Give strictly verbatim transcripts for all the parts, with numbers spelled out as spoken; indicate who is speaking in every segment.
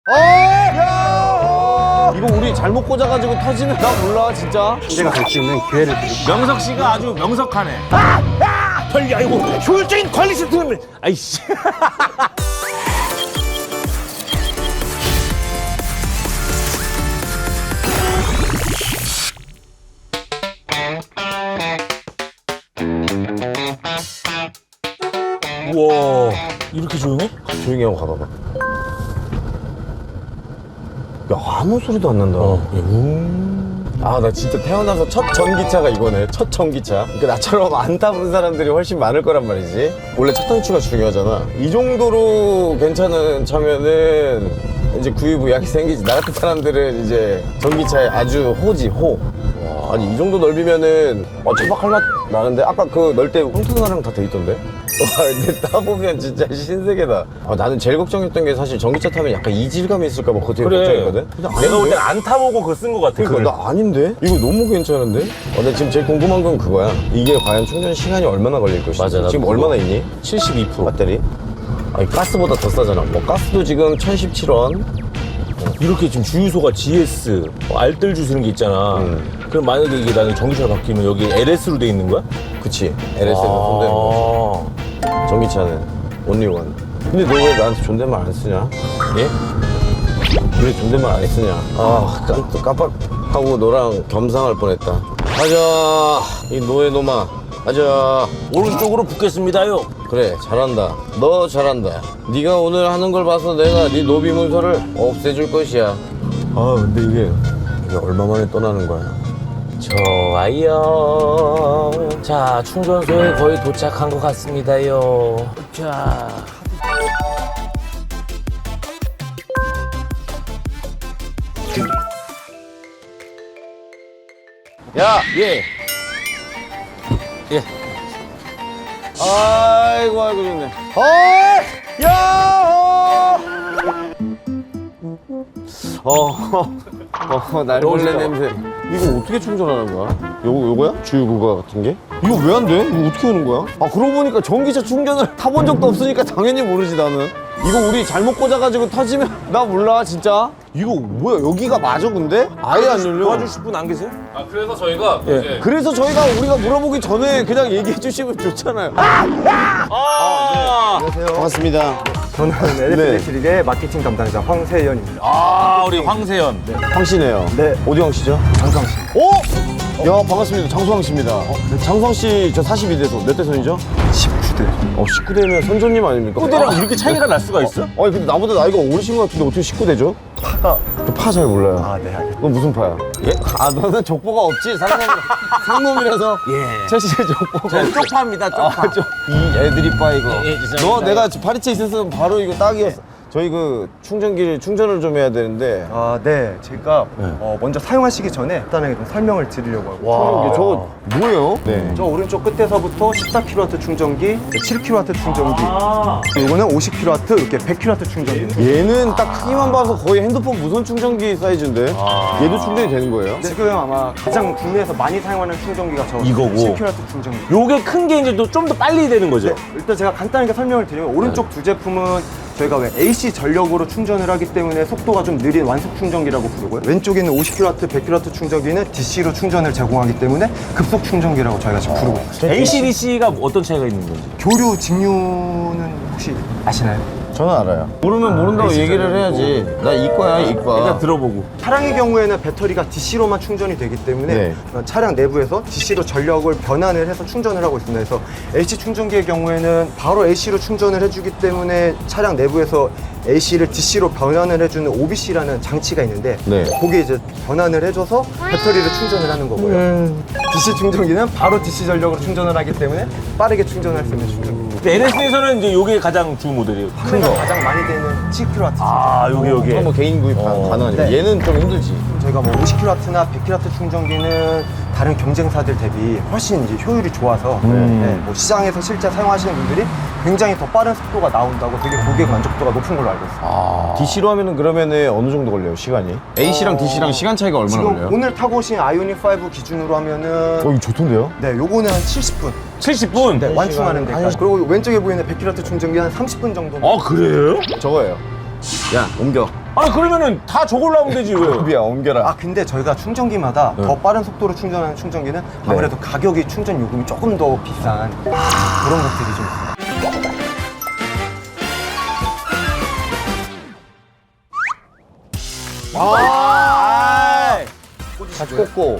Speaker 1: 어! 야! 이거 우리 잘못 꽂아가지고 터지면 나 몰라 진짜.
Speaker 2: 제가 갈 수 있는 기회를 드릴게요.
Speaker 3: 명석 씨가 아주 명석하네. 아! 아! 빨리 아이고 효율적인 관리 시스템을. 아이씨. 우와 이렇게 조용해?
Speaker 1: 조용히 하고 가봐봐. 야 아무 소리도 안 난다. 아 나 진짜 태어나서 첫 전기차가 이거네. 첫 전기차. 그러니까 나처럼 안 타본 사람들이 훨씬 많을 거란 말이지. 원래 첫 단추가 중요하잖아. 이 정도로 괜찮은 차면은 이제 구입 의향이 생기지. 나 같은 사람들은 이제 전기차에 아주 호지 호. 와, 아니 이 정도 넓이면은 어, 차박할 맛 나는데 아까 그 넓 때 홈트너랑 다 돼 있던데? 와 근데 따보면 진짜 신세계다. 아, 나는 제일 걱정했던 게 사실 전기차 타면 약간 이질감이 있을까 봐 그거 되게 걱정했거든? 근데
Speaker 3: 내가 볼
Speaker 1: 아닌데?
Speaker 3: 땐 안 타보고 그거 쓴 거 같아.
Speaker 1: 그러니까 나 아닌데? 이거 너무 괜찮은데? 어, 근데 지금 제일 궁금한 건 그거야. 이게 과연 충전 시간이 얼마나 걸릴 것인지.
Speaker 3: 맞아, 나도
Speaker 1: 지금
Speaker 3: 그거.
Speaker 1: 얼마나 있니?
Speaker 3: 칠십이 퍼센트.
Speaker 1: 배터리? 아니 가스보다 더 싸잖아. 뭐 가스도 지금 천십칠 원.
Speaker 3: 이렇게 지금 주유소가 지에스, 뭐 알뜰 주스는 게 있잖아.
Speaker 1: 음.
Speaker 3: 그럼 만약에 이게 나는 전기차로 바뀌면 여기 엘에스로 돼 있는 거야?
Speaker 1: 그치. 엘에스에서 손대는 거.
Speaker 3: 아.
Speaker 1: 전기차는 온리원. 근데 너 왜 나한테 존댓말 안 쓰냐?
Speaker 3: 예?
Speaker 1: 왜 존댓말 안 쓰냐? 아, 깜, 깜빡하고 너랑 겸상할 뻔했다. 가자, 이 노예놈아. 가자.
Speaker 3: 오른쪽으로 붙겠습니다요.
Speaker 1: 그래, 잘한다. 너 잘한다. 네가 오늘 하는 걸 봐서 내가 네 노비 문서를 없애줄 것이야. 아, 근데 이게 이게 얼마 만에 떠나는 거야?
Speaker 3: 좋아요. 자, 충전소에 거의 도착한 것 같습니다요. 자.
Speaker 1: 야,
Speaker 3: 예. 예.
Speaker 1: 아이고 아이고 좋네. 어이, 야, 어, 어, 날벌레 냄새. 이거 어떻게 충전하는 거야? 요거 요거야? 주유구가 같은 게? 이거 왜 안 돼? 이거 어떻게 하는 거야? 아 그러고 보니까 전기차 충전을 타본 적도 없으니까 당연히 모르지 나는. 이거 우리 잘못 꽂아가지고 터지면 나 몰라 진짜. 이거 뭐야 여기가 맞아 근데? 아예 안 열려.
Speaker 3: 도와주실 분 안 계세요?
Speaker 4: 아 그래서 저희가
Speaker 3: 예.
Speaker 4: 이제
Speaker 1: 그래서 저희가 우리가 물어보기 전에 그냥 얘기해 주시면 좋잖아요.
Speaker 3: 아,
Speaker 1: 반갑습니다.
Speaker 2: 저는 엘에프일렉트릭의 마케팅 담당자 황세현입니다.
Speaker 3: 아, 우리 황세현.
Speaker 1: 황씨네요.
Speaker 2: 네.
Speaker 1: 어디 황씨죠?
Speaker 2: 장성 씨.
Speaker 1: 오! 야 반갑습니다. 장수황 씨입니다. 어, 장수황 씨 저 사십이 대소 몇 대선이죠?
Speaker 2: 십구 대.
Speaker 1: 어 십구 대면 선조님 아닙니까?
Speaker 3: 후대랑 이렇게 차이가 날 수가 있어?
Speaker 1: 아니 근데 나보다 나이가 어리신 것 같은데 어떻게 십구 대죠?
Speaker 2: 파가.
Speaker 1: 파 잘 몰라요.
Speaker 2: 아, 네, 알겠습니다.
Speaker 1: 너 무슨 파야? 예? 아 너는 족보가 없지? 상놈, 상놈이라서
Speaker 3: 예.
Speaker 1: 최씨 족보가
Speaker 3: 저는 쪽파입니다, 쪽파.
Speaker 1: 아, 저, 이 애들이 빠 이거.
Speaker 3: 예, 예, 죄송합니다.
Speaker 1: 너 내가 파리채 있었으면 바로 이거 딱이었어. 저희 그 충전기를 충전을 좀 해야 되는데.
Speaker 2: 아, 네. 제가 어, 먼저 사용하시기 전에 간단하게 좀 설명을 드리려고 하고.
Speaker 1: 와, 저거 뭐예요? 네.
Speaker 2: 저 오른쪽 끝에서부터 십사 킬로와트 충전기, 칠 킬로와트 충전기,
Speaker 3: 아.
Speaker 2: 이거는 오십 킬로와트, 이렇게 백 킬로와트 충전기.
Speaker 1: 얘는 딱 크기만 봐서 거의 핸드폰 무선 충전기 사이즈인데 얘도 충전이 되는 거예요?
Speaker 2: 지금 아마 가장 국내에서 많이 사용하는 충전기가 저
Speaker 3: 이거고.
Speaker 2: 칠 킬로와트 충전기.
Speaker 3: 요게 큰 게 이제 좀 더 빨리 되는 거죠?
Speaker 2: 네, 일단 제가 간단하게 설명을 드리면 오른쪽 두 제품은 저희가 왜 에이씨 전력으로 충전을 하기 때문에 속도가 좀 느린 완속 충전기라고 부르고요. 왼쪽에 있는 오십 킬로와트, 백 킬로와트 충전기는 디씨로 충전을 제공하기 때문에 급속 충전기라고 저희가 지금 부르고 있어요.
Speaker 3: 에이씨디씨가 어떤 차이가 있는 건지?
Speaker 2: 교류 직류는 혹시 아시나요?
Speaker 1: 저는 알아요. 모르면 모른다고 얘기를 해야지. 나 이과야 이과.
Speaker 3: 일단 들어보고.
Speaker 2: 차량의 경우에는 배터리가 디씨로만 충전이 되기 때문에
Speaker 1: 네.
Speaker 2: 차량 내부에서 디씨로 전력을 변환을 해서 충전을 하고 있습니다. 그래서 에이씨 충전기의 경우에는 바로 에이씨로 충전을 해주기 때문에 차량 내부에서 에이씨를 디씨로 변환을 해주는 오비씨라는 장치가 있는데
Speaker 1: 네.
Speaker 2: 거기에 이제 변환을 해줘서 배터리를 충전을 하는 거고요. 디씨 충전기는 바로 디씨 전력으로 충전을 하기 때문에 빠르게 충전할 수 있는 충전기.
Speaker 3: 엘에스에서는 이제 요게 가장 주 모델이에요. 큰 거.
Speaker 2: 가장 많이 되는 칠 킬로와트.
Speaker 3: 아, 요게 요게.
Speaker 1: 그건 뭐 개인 구입
Speaker 3: 어.
Speaker 1: 가능하니까
Speaker 2: 네.
Speaker 1: 얘는 좀 힘들지.
Speaker 2: 저희가 뭐 오십 킬로와트나 백 킬로와트 충전기는 다른 경쟁사들 대비 훨씬 이제 효율이 좋아서
Speaker 3: 음.
Speaker 2: 네, 뭐 시장에서 실제 사용하시는 분들이 굉장히 더 빠른 속도가 나온다고 되게 고객 만족도가 높은 걸로 알고 있습니다.
Speaker 1: 아. 디씨로 하면은 그러면은 어느 정도 걸려요 시간이? A씨랑 디씨랑 시간 차이가 얼마나
Speaker 2: 지금
Speaker 1: 걸려요?
Speaker 2: 오늘 타고 오신 아이오닉 오 기준으로 하면은
Speaker 1: 어 이거 좋던데요?
Speaker 2: 네, 요거는 한 칠십 분.
Speaker 3: 칠십 분?
Speaker 2: 네, 완충하는
Speaker 1: 시간에
Speaker 2: 데까지. 그리고 왼쪽에 보이는 백 킬로와트 충전기 한 삼십 분 정도.
Speaker 3: 아, 그래요?
Speaker 1: 저거예요. 야 옮겨.
Speaker 3: 아니 그러면은 다 저걸로 하면 되지 왜?
Speaker 1: 미야 옮겨라.
Speaker 2: 아 근데 저희가 충전기마다 더 빠른 속도로 충전하는 충전기는 아무래도 가격이 충전 요금이 조금 더 비싼 그런 것들이 좀 있습니다.
Speaker 1: 아, 같이 꽂고.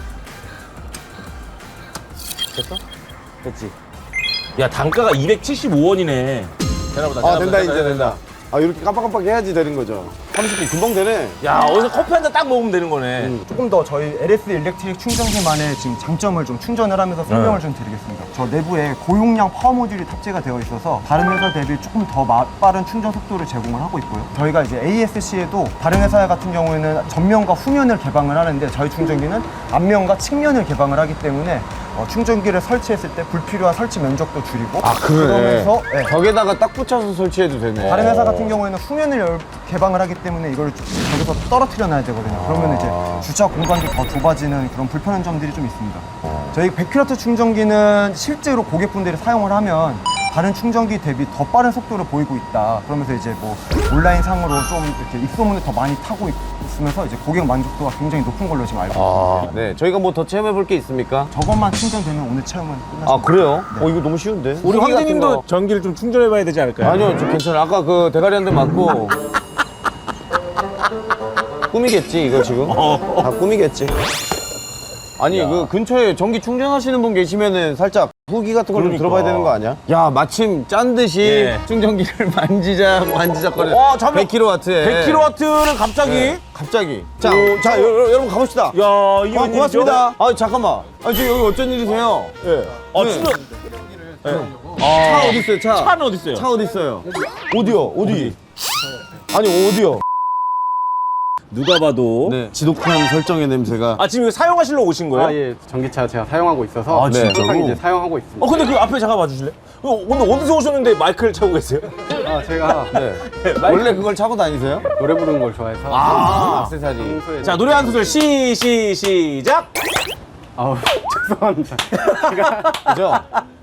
Speaker 1: 됐어? 됐지.
Speaker 3: 야 단가가 이백칠십오 원이네. 되나보다.
Speaker 1: 아 된다 이제 된다. 아 이렇게 깜빡깜빡 해야지 되는 거죠. 삼십 분 금방 되네.
Speaker 3: 야 어디서 커피 한 잔 딱 먹으면 되는 거네.
Speaker 2: 음, 조금 더 저희 엘에스 일렉트릭 충전기만의 지금 장점을 좀 충전을 하면서 설명을 좀 드리겠습니다. 저 내부에 고용량 파워 모듈이 탑재가 되어 있어서 다른 회사 대비 조금 더 마- 빠른 충전 속도를 제공을 하고 있고요. 저희가 이제 에이에스씨에도 다른 회사 같은 경우에는 전면과 후면을 개방을 하는데 저희 충전기는 앞면과 측면을 개방을 하기 때문에 어, 충전기를 설치했을 때 불필요한 설치 면적도 줄이고
Speaker 1: 아 그러네.
Speaker 2: 그러면서 네,
Speaker 1: 벽에다가 딱 붙여서 설치해도 되네.
Speaker 2: 다른 회사 같은 경우에는 후면을 열- 개방을 하기 때문에 이걸 저기서 떨어뜨려 놔야 되거든요. 그러면 이제 주차 공간도 더 좁아지는 그런 불편한 점들이 좀 있습니다. 저희 백 킬로와트 충전기는 실제로 고객분들이 사용을 하면 다른 충전기 대비 더 빠른 속도를 보이고 있다. 그러면서 이제 뭐 온라인 상으로 좀 이렇게 입소문을 더 많이 타고 있으면서 이제 고객 만족도가 굉장히 높은 걸로 지금 알고 있습니다.
Speaker 1: 아, 네. 저희가 뭐 더 체험해 볼 게 있습니까?
Speaker 2: 저것만 충전되면 오늘 체험은 끝났습니다.
Speaker 1: 아 그래요? 어 이거 너무 쉬운데.
Speaker 3: 우리
Speaker 1: 후기 같은
Speaker 3: 황제님도
Speaker 1: 거.
Speaker 3: 전기를 좀 충전해봐야 되지 않을까요?
Speaker 1: 아니요, 저 괜찮아요. 아까 그 대가리 한 대 맞고 꿈이겠지 이거 지금? 다 꿈이겠지. 아니 그 근처에 전기 충전하시는 분 계시면은 살짝 후기 같은 걸 좀
Speaker 3: 그러니까.
Speaker 1: 들어봐야 되는 거 아니야? 야 마침 짠 듯이
Speaker 3: 예.
Speaker 1: 충전기를 만지작 만지작거리는
Speaker 3: 와, 잠깐.
Speaker 1: 백 킬로와트에
Speaker 3: 백 킬로와트는 갑자기?
Speaker 1: 네, 갑자기. 자, 자 여, 여, 여러분 가봅시다.
Speaker 3: 야 이게
Speaker 1: 아,
Speaker 3: 웬일이죠?
Speaker 1: 고맙습니다. 아 잠깐만. 아 지금 여기 어쩐 일이세요? 예.
Speaker 3: 아
Speaker 1: 네.
Speaker 3: 충전.
Speaker 1: 차 어디 있어요? 차.
Speaker 3: 차는 어디 있어요?
Speaker 1: 차 어디 있어요? 어디요? 어디? 아니 어디요?
Speaker 3: 누가 봐도.
Speaker 1: 네. 지독한 설정의 냄새가.
Speaker 3: 아 지금 이거 사용하시려고 오신 거예요?
Speaker 4: 아, 예. 전기차 제가 사용하고 있어서
Speaker 3: 아,
Speaker 1: 네.
Speaker 4: 항상
Speaker 3: 진짜로?
Speaker 4: 이제 사용하고 있습니다.
Speaker 3: 어 근데 그 앞에 잠깐 봐주실래? 요 오늘 어디서 오셨는데 마이크를 차고 계세요?
Speaker 4: 아, 제가
Speaker 1: 네. 원래 그걸 차고 다니세요?
Speaker 4: 노래 부르는 걸 좋아해서
Speaker 1: 아, 액세서리.
Speaker 4: 평소에
Speaker 3: 자 노래 한 소절 시, 시, 시작!
Speaker 4: 아우, 죄송합니다.
Speaker 1: 그죠?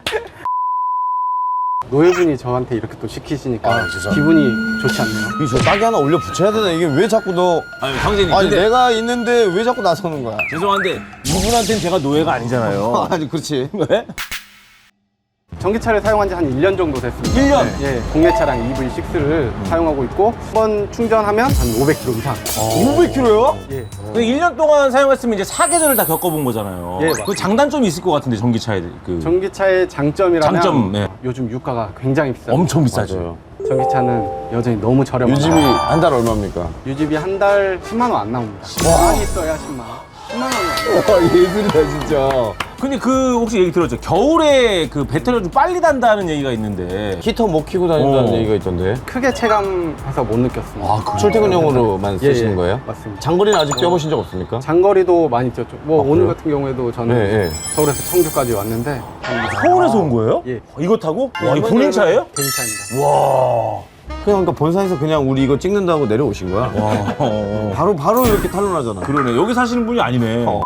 Speaker 4: 노예분이 저한테 이렇게 또 시키시니까
Speaker 1: 아, 죄송합니다.
Speaker 4: 기분이 좋지 않네요.
Speaker 1: 이저 딱이 하나 올려 붙여야 되나? 이게 왜 자꾸 너.
Speaker 3: 아니 황제님
Speaker 1: 아니
Speaker 3: 근데
Speaker 1: 내가 있는데 왜 자꾸 나서는 거야?
Speaker 3: 죄송한데 이분한테는 제가 노예가 아니잖아요.
Speaker 1: 아니 그렇지.
Speaker 3: 왜?
Speaker 4: 전기차를 사용한 지 한 일 년 정도 됐습니다.
Speaker 3: 일 년?
Speaker 4: 예, 국내 차량 이브이 식스를 사용하고 있고 한 번 충전하면 한 오백 킬로미터 이상.
Speaker 3: 오백 킬로미터요?
Speaker 4: 예.
Speaker 3: 그 일 년 동안 사용했으면 이제 사계절을 다 겪어본 거잖아요.
Speaker 4: 예,
Speaker 3: 그
Speaker 4: 맞습니다.
Speaker 3: 장단점이 있을 것 같은데 전기차에 그
Speaker 4: 전기차의 장점이라면
Speaker 3: 장점, 네.
Speaker 4: 요즘 유가가 굉장히 비싸요.
Speaker 3: 엄청 비싸죠.
Speaker 1: 맞아요.
Speaker 4: 전기차는 여전히 너무 저렴합니다.
Speaker 1: 요즘이 한 달 얼마입니까?
Speaker 4: 유지비 한 달 십만 원 안 나옵니다. 십만 있어야 십만 원. 십만 원이 안 나와요.
Speaker 1: 와 예술이다 진짜.
Speaker 3: 근데 그 혹시 얘기 들었죠? 겨울에 그 배터리가 좀 빨리 단다는 얘기가 있는데
Speaker 1: 히터 못 켜고 다닌다는
Speaker 3: 어.
Speaker 1: 얘기가 있던데.
Speaker 4: 크게 체감해서 못 느꼈습니다.
Speaker 1: 아, 출퇴근용으로만
Speaker 4: 예,
Speaker 1: 쓰시는
Speaker 4: 예,
Speaker 1: 거예요?
Speaker 4: 맞습니다.
Speaker 1: 장거리는 아직 뛰어보신 적 없습니까?
Speaker 4: 장거리도 많이 뛰었죠. 뭐
Speaker 1: 아,
Speaker 4: 오늘
Speaker 1: 그래요?
Speaker 4: 같은 경우에도 저는
Speaker 1: 네, 네.
Speaker 4: 서울에서 청주까지 왔는데
Speaker 3: 서울에서 온 거예요?
Speaker 4: 예.
Speaker 3: 이거 타고? 와, 이거 본인 차예요?
Speaker 4: 개인 차입니다.
Speaker 3: 와.
Speaker 1: 그냥 그러니까 본사에서 그냥 우리 이거 찍는다고 내려오신 거야.
Speaker 3: 와.
Speaker 1: 바로 바로 이렇게 탄론하잖아.
Speaker 3: 그러네. 여기 사시는 분이 아니네.
Speaker 1: 어.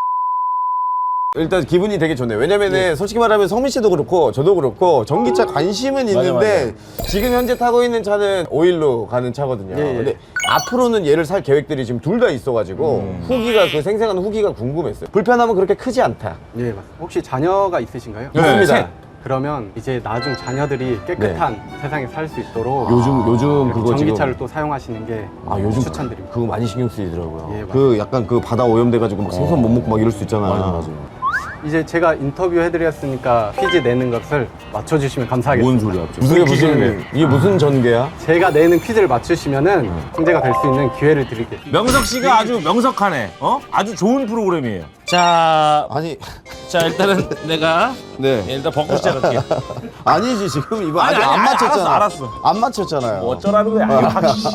Speaker 1: 일단 기분이 되게 좋네요. 왜냐면은 솔직히 말하면 성민 씨도 그렇고 저도 그렇고 전기차 관심은
Speaker 3: 맞아,
Speaker 1: 있는데 지금 현재 타고 있는 차는 오일로 가는 차거든요.
Speaker 4: 예, 예.
Speaker 1: 근데 앞으로는 얘를 살 계획들이 지금 둘 다 있어가지고 후기가 그 생생한 후기가 궁금했어요. 불편함은 그렇게 크지 않다.
Speaker 4: 예, 맞습니다. 혹시 자녀가 있으신가요?
Speaker 1: 네, 있습니다.
Speaker 3: 셋.
Speaker 4: 그러면 이제 나중 자녀들이 깨끗한 세상에 살 수 있도록
Speaker 1: 요즘 요즘
Speaker 4: 이렇게
Speaker 1: 그거
Speaker 4: 전기차를
Speaker 1: 지금
Speaker 4: 또 사용하시는 게
Speaker 1: 아 요즘
Speaker 4: 추천드립니다.
Speaker 1: 그거 많이 신경 쓰이더라고요.
Speaker 4: 예, 맞아요.
Speaker 1: 그 약간 그 바다 오염돼가지고 막 생선 못 먹고 막 이럴 수 있잖아.
Speaker 3: 맞아, 맞아.
Speaker 4: 이제 제가 인터뷰 해드렸으니까 퀴즈 내는 것을 맞춰주시면 감사하겠습니다.
Speaker 3: 뭔 소리야?
Speaker 1: 무슨
Speaker 3: 무슨 퀴즈를
Speaker 1: 무슨 이게 무슨 전개야?
Speaker 4: 제가 내는 퀴즈를 맞추시면은 승자가 될 수 있는 기회를 드릴게요.
Speaker 3: 명석 씨가 아주 명석하네. 어? 아주 좋은 프로그램이에요. 자,
Speaker 1: 아니
Speaker 3: 자 일단은 내가
Speaker 1: 네.
Speaker 3: 일단 벗고 시작할게요.
Speaker 1: 아니지 지금 이거
Speaker 3: 아니,
Speaker 1: 아직
Speaker 3: 아니,
Speaker 1: 안
Speaker 3: 아니,
Speaker 1: 맞췄잖아.
Speaker 3: 알았어, 알았어.
Speaker 1: 안 맞췄잖아요.
Speaker 3: 뭐 어쩌라는 거야? 아, 씨.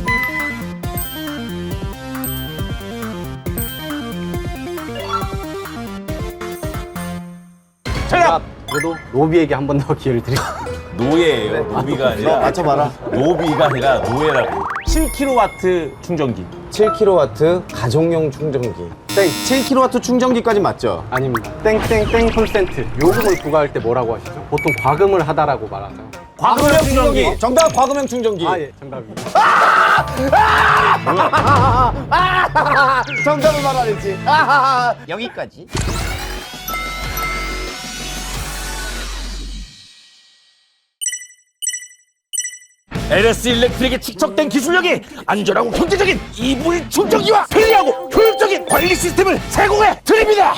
Speaker 4: 제가 그래도 노비에게 한 번 더 기회를 드리겠습니다.
Speaker 3: 노예예요. 노비가 아니라
Speaker 1: 맞춰봐라.
Speaker 3: 노비가 아니라 노예라고. 칠 킬로와트 충전기.
Speaker 1: 칠 킬로와트 가정용 충전기.
Speaker 4: 땡.
Speaker 1: 칠 킬로와트 충전기까지 맞죠?
Speaker 4: 아닙니다. 땡땡땡 콘센트. 요금을 부과할 때 뭐라고 하시죠? 보통 과금을 하다라고 말하죠.
Speaker 3: 과금형 충전기.
Speaker 1: 정답 과금형 충전기.
Speaker 4: 아, 예, 정답입니다.
Speaker 1: 정답을 말 안 했지. 아하하. 여기까지.
Speaker 3: 엘에스 일렉트릭에 축적된 기술력이 안전하고 경제적인 이브이 충전기와 편리하고 효율적인 관리 시스템을 제공해 드립니다.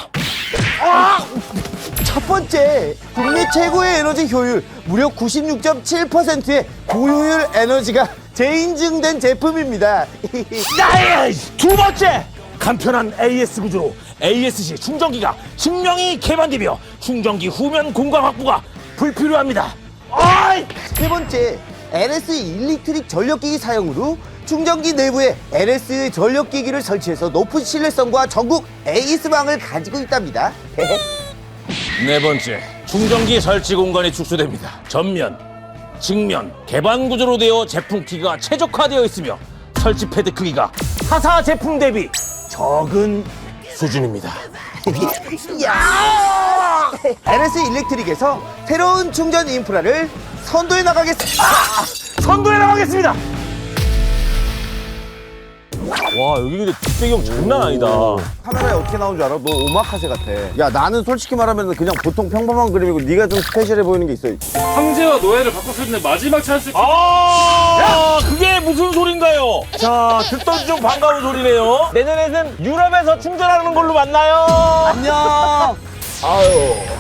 Speaker 1: 첫 번째, 국내 최고의 에너지 효율, 무려 구십육 점 칠 퍼센트의 고효율 에너지가 재인증된 제품입니다.
Speaker 3: 나의 두 번째, 간편한 에이에스 구조로 에이에스씨 충전기가 증명이 개방되며 충전기 후면 공간 확보가 불필요합니다. 아이!
Speaker 1: 세 번째, 엘에스 일렉트릭 전력기기 사용으로 충전기 내부에 엘에스 전력기기를 설치해서 높은 신뢰성과 전국 에이에스망을 가지고 있답니다.
Speaker 3: 네 번째, 충전기 설치 공간이 축소됩니다. 전면, 측면, 개방 구조로 되어 제품 크기가 최적화되어 있으며 설치 패드 크기가 타사 제품 대비 적은 수준입니다.
Speaker 1: 야! 엘에스 일렉트릭에서 새로운 충전 인프라를 선도해 나가겠습니다.
Speaker 3: 선도해 나가겠습니다. 와, 여기 근데 뒷배경 장난 아니다.
Speaker 1: 카메라에 어떻게 나온 줄 알아? 너 오마카세 같아. 야, 나는 솔직히 말하면 그냥 보통 평범한 그림이고 네가 좀 스페셜해 보이는 게 있어.
Speaker 5: 황제와 노예를 바꿨을 때 마지막 찬스.
Speaker 3: 아, 그게 무슨 소린가요? 자, 듣던 중 반가운 소리네요. 내년에는 유럽에서 충전하는 걸로 만나요.
Speaker 1: 안녕.
Speaker 3: 아유.